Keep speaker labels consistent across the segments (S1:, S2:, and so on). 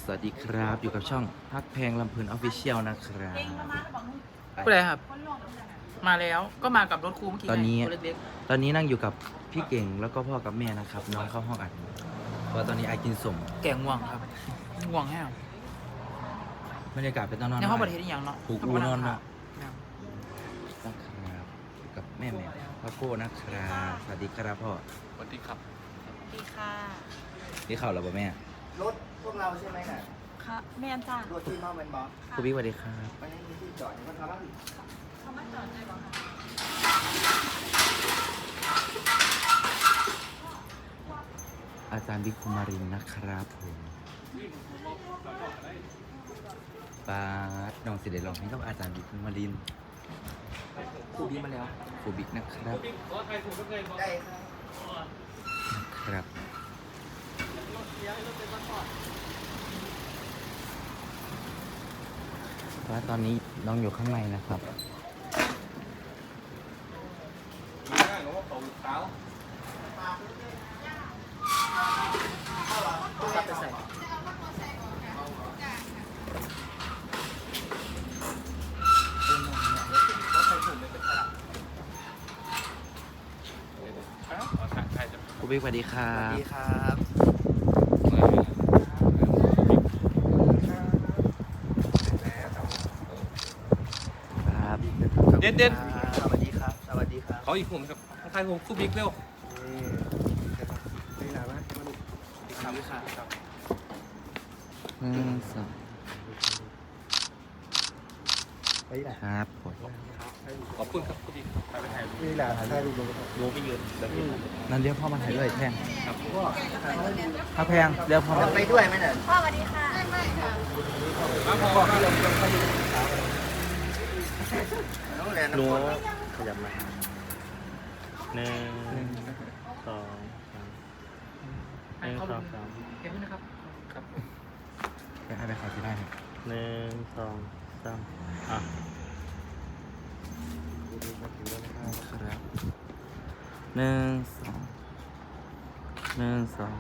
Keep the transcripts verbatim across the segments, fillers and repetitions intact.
S1: สวัสดีครับอยู่กับช่องพักแพงลำเพลินออฟฟิเชียลนะครับ
S2: ผู้ใดครับ มาแล้วก็มากับรถครูเมื่อกี้
S1: ตอนนี้
S2: ไงตัวเล็ก
S1: ตอนนี้นั่งอยู่กับพี่เก่งแล้วก็พ่อกับแม่นะครับน้องเข้าห้องอัดเพราะตอนนี้ไอกินสม
S2: ๆแกง่วงครับง่วงแห้ง
S1: บรรยากาศเป็นตอนนอน
S2: ในห้องประเทศนี่ยังเนาะ
S1: ผูกอูนอนเนาะ
S2: ยัง
S1: นะครับอยู่กับแม่แม่พ่อโก้นะครับสวัสดีครับพ่อ
S3: สวัสดีครับ
S4: ดีค่ะ
S1: นี่ข่าวเราป่ะแม่
S5: รถพวกเราใช่ไหมน่ะ
S4: ค่ะแม่นจ้าร
S5: ถที่มาเป็นบอส
S1: ครูบิ๊กสวัสดีครับ
S5: มันยังมีที่จอดอยู่มันทำบ้าง
S4: เขามาจอดได้บ่คะ
S1: อาจารย์บิ๊กคุมารินนะครับผมปาดน้องสิเดลองให้กับอาจารย์บิ๊กคุมาริน
S2: ครูบีมาแล้ว
S1: ครูบิ๊กนะครับ
S5: ได้
S1: ครับว่าตอนนี้น้องอยู่ข้างในนะครับ
S2: กลับไปใส่
S1: ครูบิ๊กสวัสดีครั
S5: สวัส
S1: บ
S5: ดีครับ
S1: ครับ
S3: เด่นเด่น
S5: สวัสดีครับ สวัสดีครับ
S3: เขาอีกผมครับทายผมคู่บิ๊กเร็ว
S5: นี่หลานว่ามัน
S2: ครับค่ะครับ
S1: หนึ่งสอง
S5: ไอ้หลาน
S1: ครับผม
S3: ขอบคุณครับคู่บิ๊กถ่ายไปถ่าย
S5: นี่หลานถ่ายรูปลง
S3: โลไปยืนแบบนี้
S1: นั่นเรียกพ่อมาถ่ายด้วยแพง
S3: ครับ
S1: ถ้าแพงเรียกพ่อมา
S5: ไปด้วยไหมน่ะ
S4: พ่อสวัสดีค่ะ
S3: มาพอ
S5: พ่อพี่ลงลงเขาอยู่น้องแหลน
S6: หนูขยับมาหนึ่งสองสามหนึ่ง
S2: เขา
S6: สองสาม
S2: เก็บขึ้นนะครับ
S3: ครับ
S1: ไปให้ไปขายที่ได้ครับ
S6: หนึ่งสองสามอ่ะ
S1: ครับหนึ่งสองหนึ่งสอง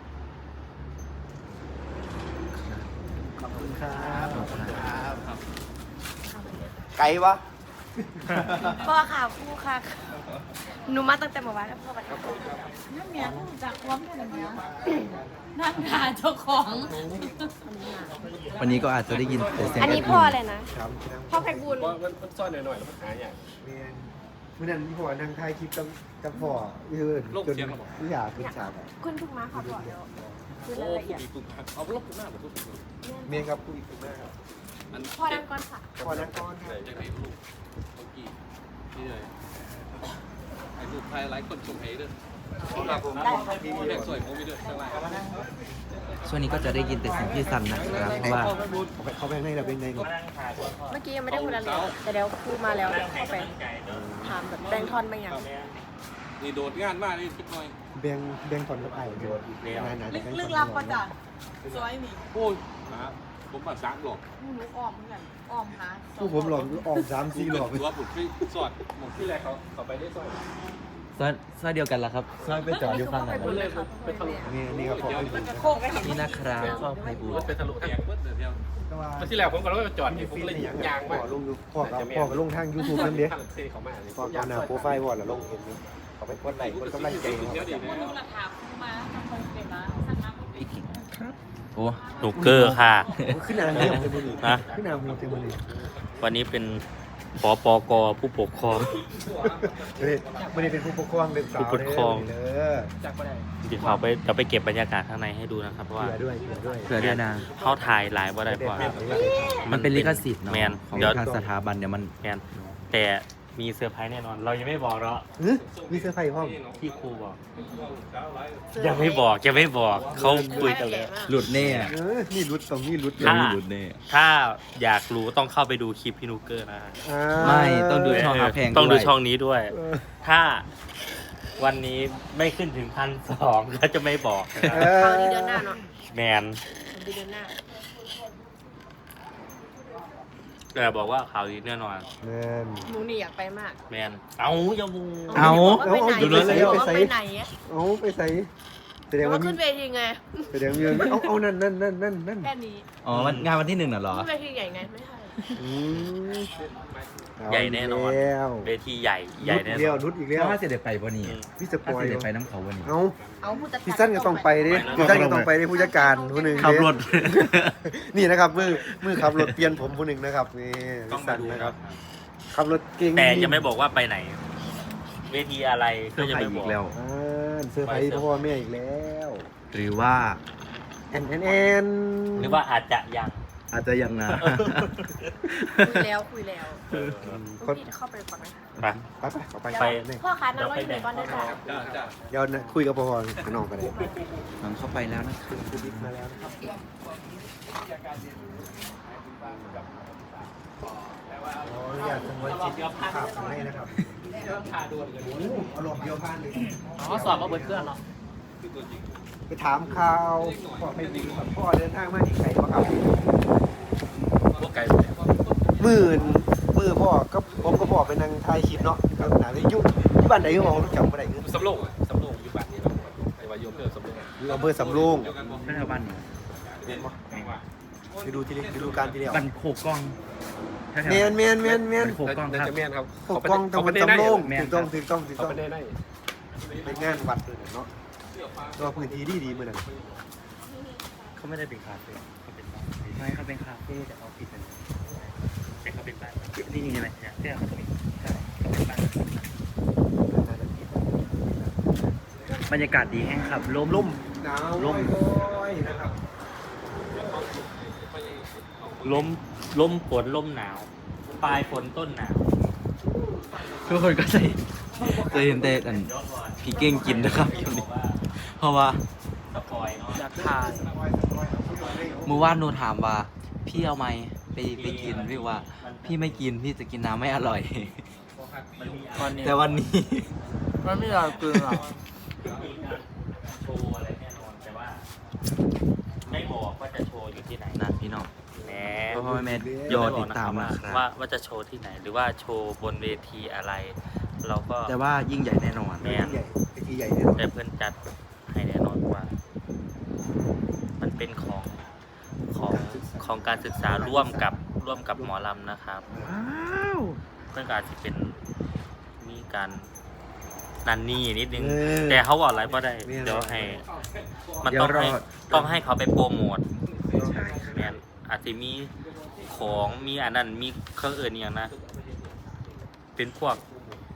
S1: ครับ
S5: ขอบคุณครับ
S1: ขอบคุณครับ
S5: ครับไกลวะ
S4: พ่อค่ะครูค่ะหนูมาตั้งแต่เมื่อวานแล้วพ่อสวัสดีค่ะนั่นเนี่ยจากความแค่นั้นเนี่ยนั่งหาเจ้าของ
S1: วันนี้ก็อาจจะได้ยินแต่เสียง
S4: อันนี้พ่อเลยนะ
S5: ครับ
S4: พ่อแพ็กบุญ
S3: ว่ามันซ่อนหน่อยๆแล้วมันหายอย่าง
S5: เมียนเมื่อนั้นพ่อนั่งถ่ายคลิปกับกับพ่อยืนจนไม่อยากขึ้นฉากอ่ะ
S4: คุณถูกมาค่ะพ่อเดี๋ยวคือ
S3: โอ้
S4: รายละ
S3: คู่
S4: เอียด
S3: บิ๊กปุ๊บเอาลบปุ๊บหน้าผมปุ๊บ
S5: เมียนครับคุยกันได้ครับ
S3: อัน
S4: พ่อดังก่อนค่ะ
S5: พ่อนั่งก้อนค
S3: ใส่
S5: รับ
S3: จะไหนลูกเมื่อกี้นี่เลยไอ้ลูกไทยหลายคนชมเฮ้ด้วยครับผมพี่แม่สวยผมมีด้วยข้างล่าง
S1: ช่วงนี้ก็จะได้ยินแต่เสียงพี่สันนะครับเพราะว่า
S5: เขาไปข้างในเราเป็นไงครับ
S4: เมื่อกี้ยังไม่ได้พูดอะไรเลยแต่เดี๋ยวครูมาแล้วเดี๋ยวเข้าไปถามแบบแบงค์ทอนบางอย่าง
S3: นี่โดดงานมากนี่คิดหน่อย
S5: แบงแบงก่อนกับไอ้เดี๋ยวนานๆจะ
S4: ลึกลับก็จ้ะสวยนี่
S3: โอ้ยนะผมมาสามหลอก
S4: หนูอ้อมเหมือนกันอ้อมหา
S5: ผู้ผมหลอกออกสามสี่หลอก
S3: ตัวผมที่สอดหมดที่แรกเขาเขาไปได้สอด
S1: ซอยซอยเดียวกันละครับ
S5: ซอยไปจอดอยู่ข้างไหน
S4: ไปบุญเลยครับ
S5: นี่นี่ครับผม
S4: โค้งไปทำ
S1: นี่นะครับพ่อไพบูลย์
S3: ไปทะลุแตกเบิ้ลเดียว
S5: แต่ว่า
S3: ที่แรกผมก็เลยไปจอดนี่ผม
S5: ฟี
S3: เลย
S5: อย่าง
S3: ยาง
S5: พ่
S3: มา
S5: อลงอยู่พ่อกับพ่อกับลงทางยูทูบนั่นเด้
S3: ทางเซ่เขามา
S5: พ่อเอาหน้าโปรไฟล์วอดแล้วลงเห็นอยู่เขาไปกดไลค์กดกำลังใจครับ
S3: เดี๋ยวดีนะ
S4: ดูราคาคูมาทำคนเก็บละสั่งมา
S1: พี่กิ่งครับโอ้
S6: หนูเกอร์ค่ะ
S5: ขึ้นหน้าเหี่ยวเต็มมือ
S6: ฮะ
S5: ขึ้นหน้าหัวเต็มมือ
S6: วันนี้เป็นปปกผู้ปกครอง
S5: เฮ้ยไม่ได้เป็นผู้ปกครองเป็นสาว
S6: ผู้ปกครอง
S5: เด้อ
S2: จากประเทศ
S6: เดี๋ยวเขาไปเดี๋ยวไปเก็บบรรยากาศข้างในให้ดูนะครับเพราะว่า
S5: เผื่อด้วยเผื่อด้วย
S1: เผื่อด้วยนะ
S6: เขาถ่ายหลายว่าได้เพราะว่า
S1: มันเป็นลิขสิทธิ์เนาะ
S6: แมน
S1: ของ
S6: เดี๋ยว
S1: ทางสถาบันเดี๋ยวมัน
S6: แมนแต่มีเซอร์ไพรส์แน่นอน เรายังไม่บอกเนาะ
S5: เฮ้ยมีเสื้อไฟห้อง
S6: ที่ครูบอก ยังไม่บอกยังไม่บอกเขาคุยกันแล้ว
S1: หลุดแน่
S5: เออนี่รุดตรงนี้รุด
S1: ยังมีหลุดแน่
S6: ถ้าอยากรู้ต้องเข้าไปดูคลิปพี่นูเกอร์นะ
S5: อ่า
S1: ไม่ต้องดูช่องหาแพง
S6: ต้องดู
S1: ด้วย
S6: ช่องนี้ด้วย
S5: เออ
S6: ถ้าวันนี้ไม่ขึ้นถึงพันสองก็จะไม่บอกนะค
S5: เอ
S6: รับ
S5: อ
S4: คราวนี้เดือนหน้าเนาะ
S6: แมน
S4: เดือนหน้า
S6: แต่บอกว่าข่าวดีแน่นอน
S5: แมน
S4: หนูนี่อยากไปมาก
S6: แมนเอาอย่าบู
S1: เอา
S4: ไปไหน
S5: ดูเลย
S4: ไป
S5: ไปใส่
S4: ไปไหนอะ
S5: เอาไปใส่ใส่ดง
S4: ว่า
S5: ว่า
S4: ขึ้นเวทีไง
S5: แสดงว่ามีเอาเอานั่นนั่นนั่นนั่นนั่น
S4: แค่นี้
S1: อ๋อวันงานวันที่หนึ่งน่ะเหรอ
S4: ขึ้นเวทีใหญ่ไงไม่ใช่
S5: อืมเอา
S1: ใหญ่แน่นอน
S5: แล้ว
S1: เวทีใหญ่ใหญ่แน่
S5: นุดเดี
S1: น
S5: ยว
S1: อน
S5: นุดอีกแล้ว
S6: เพราะว่าเสด็จไปวันนี้
S5: พี่สป
S6: ถ้า
S5: อย
S6: เสด็จ
S5: ล์
S6: ไปน้ำเขาวันนี้
S5: เอา
S4: เอาผู้จัด
S5: พี่สั้นก็ต้องไปดิพี่สั้นก็ต้องไปดิผู้จัดการผู้หนึ่ง
S1: ขับรถ
S5: นี่นะครับมือมือขับรถเปลี่ยนผมผู้หนึ่งนะครับนี่พี่สั้นนะครับขับรถเก่ง
S1: แต่จะไม่บอกว่าไปไหน เวทีอะไรก็จะไม่บอก
S6: แล้ว
S5: อ่าเสื้อร์ไผ่พ่อแม่อีกแล้ว
S6: หรือว่า
S5: แอนแอนแอน
S1: หรือว่าอาจจะยัง
S6: อาจจะยังนะ
S4: คุยแล้วคุยแล้ว
S5: คน
S4: พี่เข้าไปก่อนนะคะ
S1: ไป
S5: ไปไปไป
S1: ไป
S5: ไปเนี่ย
S4: พ่อค้านั่งรออยู่ไหนก่อนได้จ้ะ
S3: จ้าจ้า
S5: เดี๋ยวนะคุยกับพ่อกับน้องกันเลย
S1: หลังเข้าไปแล้วนะ
S5: คุณบิ๊กมาแล้วนะครับอ๋ออยากสงวนจิตภาพให้นะครับโอ้โหอารมณ์เดียวพานเลย
S2: อ๋อสอบมาเบิดเครื่องเนาะ
S5: ไปถามข่าวพ่อไม่มีครับพ่อเดินทางมาที่ไหนบ้างครับ
S3: พวกไก่
S5: หมื่นมือพ่อก็ผมก็พ่อไปนั่งถ่ายคลิปเนาะกับหนังที่ยุที่บ้านไหนก็บอกจำไม่ได้คือ
S3: สำโรงสำโรงอยู่บ้านนี้ครับไอ้วายโยมเกิดสำโรง
S5: อำเภอสำโรง
S6: ไม่ใช่บ้านนี้
S5: ไปดูที่ไปดูการที่เดียว
S6: บ้านโคกล้อง
S5: เมนเมนเมนเมน
S6: บ้านโคกล้องครับ
S3: จะเมียนครับ
S5: ปกป้องตำบลสำโรง
S6: แม่น
S5: ถูกต้องถูกต้องถูก
S3: เขา
S5: ต้อง
S3: ไปได้ได้
S5: เป็นงานวัดเลยเนาะตัวพื้นที่ดีดีเหมือนกัน
S6: เขาไม่ได้เป็นคาเฟ่เขาเป็นบ้านไม่เขาเป็นคาเฟ่แต่เขาปิดเป็นแต่เขาเป็นบ้านนี่นี่ใช่ไหมเนี่ยที่เขาตรงนี้ใช่เขาเป็นบ้านบรรยากาศดีแห้งครับลม
S5: ล่มหนาว
S6: ร่ม
S5: ร้อยๆนะครับ
S1: ล้มล้มฝนล้มหนาว ปลายฝนต้นหนาว
S6: ทุกคนก็จะ
S1: จะเห็นแต่อันพี่เก่งกินนะครับอยู่นี่เพราะว่าสปอยเนาะ
S2: อยากทาน
S1: เมื่อวานหนูถามว่าพี่เอาไหมไปไปกินพี่ว่า พี่ไม่กินพี่จะกินน้ำไม่อร่อย
S2: ตอนนี้
S1: แต่วันนี้
S2: มันไม่อยากกินหรอก
S1: โชว์อะไรแน่นอนแต่ว่าไม่บอกว่าจะโชว์อยู่ที่ไหนนะพี่น้องแหมพ่อแม่ยอติดตามนะครับว่าว่าจะโชว์ที่ไหน หรือว่าโชว์บนเวทีอะไร เราก็
S6: แต่ว่ายิ่งใหญ่แน่นอน
S1: แม่น
S5: ใหญ่ไอทีใหญ่แน่นอน
S1: แต่เพื่อนจัดให้แน่นอนว่า มันเป็นของของของการศึกษาร่วมกับร่วมกับหมอลำนะครับ
S6: ว้าว
S1: เพื่อนการจะเป็นมีการนันนี่นิดนึง
S5: เออ
S1: แต่เขาบอกอะไรก็ได้
S5: ไม่อะไร
S1: เดี๋ยวให้ มัน
S6: เดี๋ย
S1: ต้
S6: ว
S1: อง
S6: รอ
S1: ให้ต้องให้เขาไปโปรโมท
S6: ใช่
S1: แมนอาจจะมีของมีอันนั้นมีเครื่องอื่นอย่างนะ เป็นพวก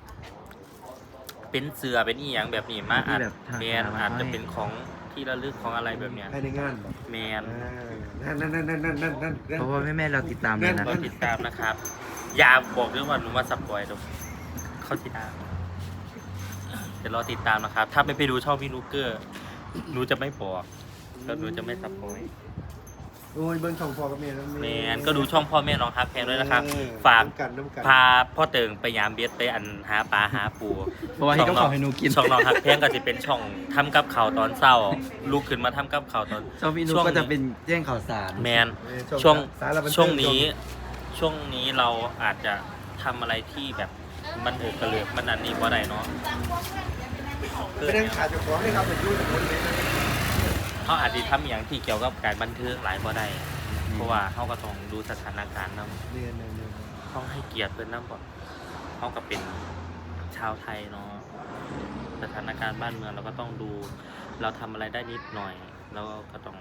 S1: เป็นเสือเป็นอีหยังแบบนี้มาอาจ
S6: ที่แบบทาง
S1: แมน
S6: สาธารณะ
S1: อาจจะเป็นของที่ระลึกของอะไรแบบเนี้ย
S5: ภายในงานแบบ
S1: แมน
S5: อ่านั่นนั่นนั่นนั่นนั่นนั่นนั่น
S6: เพราะว่าแม่ๆเราติดตามเลยนะ
S1: ก็ติดตามนะครับ อย่าบอกเรื่องว่าหนูมาสปอยล์ดูเข้าติดตามเดี๋ยวรอติดตามนะครับ ถ้าไม่ไปดูช่องพี่นูเกอร์หนูจะไม่บอกแล้วหนูจะไม่สปอยล์
S5: โอ้ยเบิ้งช่องพ่อกับแม่แล้ว
S1: แมนก็ดูช่องพ่อแม่น้องฮักแพงด้วยนะครับ
S5: เออ
S1: ฝาก
S5: น้ำกันน้ำกัน
S1: พาพ่อเติงไปยามเบียดไปอันหาปลาหาปู
S6: เพราะว่าให้เขาขอให้หนูกิน
S1: ช่องน้องฮักแพงก็จะเป็นช่องทำกับข่าวตอนเศร้าลุกขึ้นมาทำกับข่าวตอน
S6: ช่องพี่นุ๊กก็จะเป็นแจ้งข่าวสาร
S1: แมน
S5: เออ
S1: ช่วง
S5: สารบัเทิ
S1: ช่วงนี้ช่วงนี้เราอาจจะทำอะไรที่แบบมันเออกระเลือกมันอันนี้ว่าไรเนาะ
S5: ไปนั่งขาดเจ้าของให้ครับเป็นยูทูบคนเลยนะ
S1: เขาอาจจะทำอย่างที่เกี่ยวกับการบันเทิงหลายว่าได้เพราะว่าเขาก็ต้องดูสถานการณ์นำ
S5: เรียนเรียนเรียน
S1: ต้องให้เกียรติเพื่อนนำก่อนเขาก็เป็นชาวไทยเนาะสถานการณ์บ้านเมืองเราก็ต้องดู เราทำอะไรได้นิดหน่อยแล้วก็ต้อง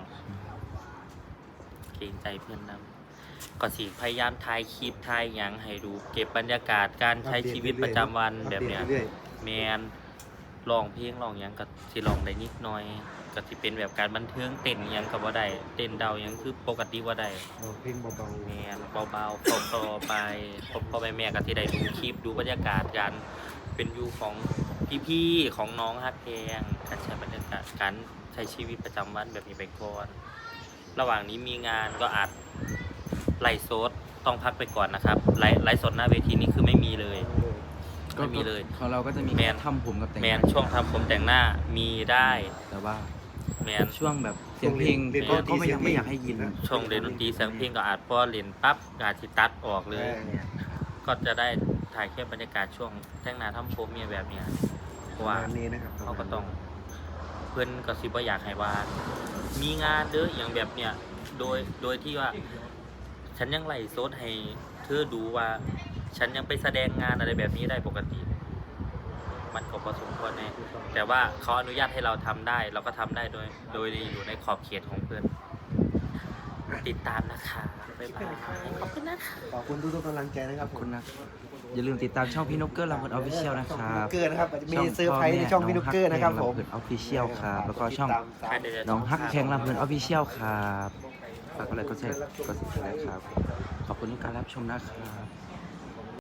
S1: เกรงใจเพื่อนนำก็สิพยายามถ่ายคลิปถ่ายหยังให้ดูเก็บบรรยากาศการใช้ชีวิตประจำวันแบบเนี้ย
S5: รื่อ
S1: แมนร้องเพลงร้องหยังก็สิร้องได้นิดหน่อยก็สิเป็นแบบการบันเทิงเต้นหยังก็บ่ได้เต้นเดาหยังคือปกติบ่ได้
S5: ๆเอาเพลงเบา
S1: แมนเบาๆพอๆไปพอๆไปแม่ก็สิได้ดูคลิปดูบรรยากาศการเป็นวิวของพี่ๆของน้องฮักแพงการใช้บรรยากาศการใช้ชีวิตประจำวันแบบนี้ไปก่อนระหว่างนี้มีงานก็อาจไลฟ์สดต้องพักไปก่อนนะครับไลฟ์ไลฟ์สดหน้าเวทีนี่คือไม่มีเลย
S5: ๆ
S1: ไม่มีเลย
S6: ของเราก็จะมี
S1: แมน
S6: ทำผมกับแต่ง
S1: แมนช่วงทำผมแต่งหน้ามีได้
S6: แต่ว่า
S1: แมน
S6: ช่วงแบบเสียงเพลงก็ก็ไม่ยังไม่อยากให้ยิน
S1: ช่วงเรียนดนตรีเสียงเพลงก็อาจพอเรียนปั๊บอาจสิตัดออกเลย ก็จะได้ถ่ายแค่บรรยากาศช่วงแต่งหน้าทำผมเนี่ยแบบเนี้ยเพราะว่า
S5: ประมาณนี้นะครับ
S1: เขาก็ต้องเวพิ่นก็สิบ่อยากให้ว่ามีงานเด้ออย่างแบบเนี้ยโดยโดยที่ว่าฉันยังไล่โซดให้เธอดูว่า ฉันยังไปแสดงงานอะไรแบบนี้ได้ปกติ มันก็พอสมควรแน่แต่ว่าเขาอนุญาตให้เราทำได้ เราก็ทำได้โดยโดยอยู่ในขอบเขตของเพื่อนติดตามนะคะบ๊ายบายขอบคุณนะคะ
S5: ขอบคุณทุกๆกำลังใจนะครับ
S7: ขอบคุณนะอย่าลืมติดตามช่องพี่นกเกอร์ลำเพลินออฟฟิเชียลนะครับ
S5: เกินนะครับจะมีเซอร์ไพรส์ในช่องพี่นุกเกอร์นะครับผม
S7: ลำเพลินออฟฟิเชียลครับแล้วก็ช่อง
S5: ติดตามสาม
S7: น้องฮักแพงลำเพลินออฟฟิเชียลครับฝากกดไลค์กดแชร์กดติดตามครับขอบคุณที่การรับชมนะครับ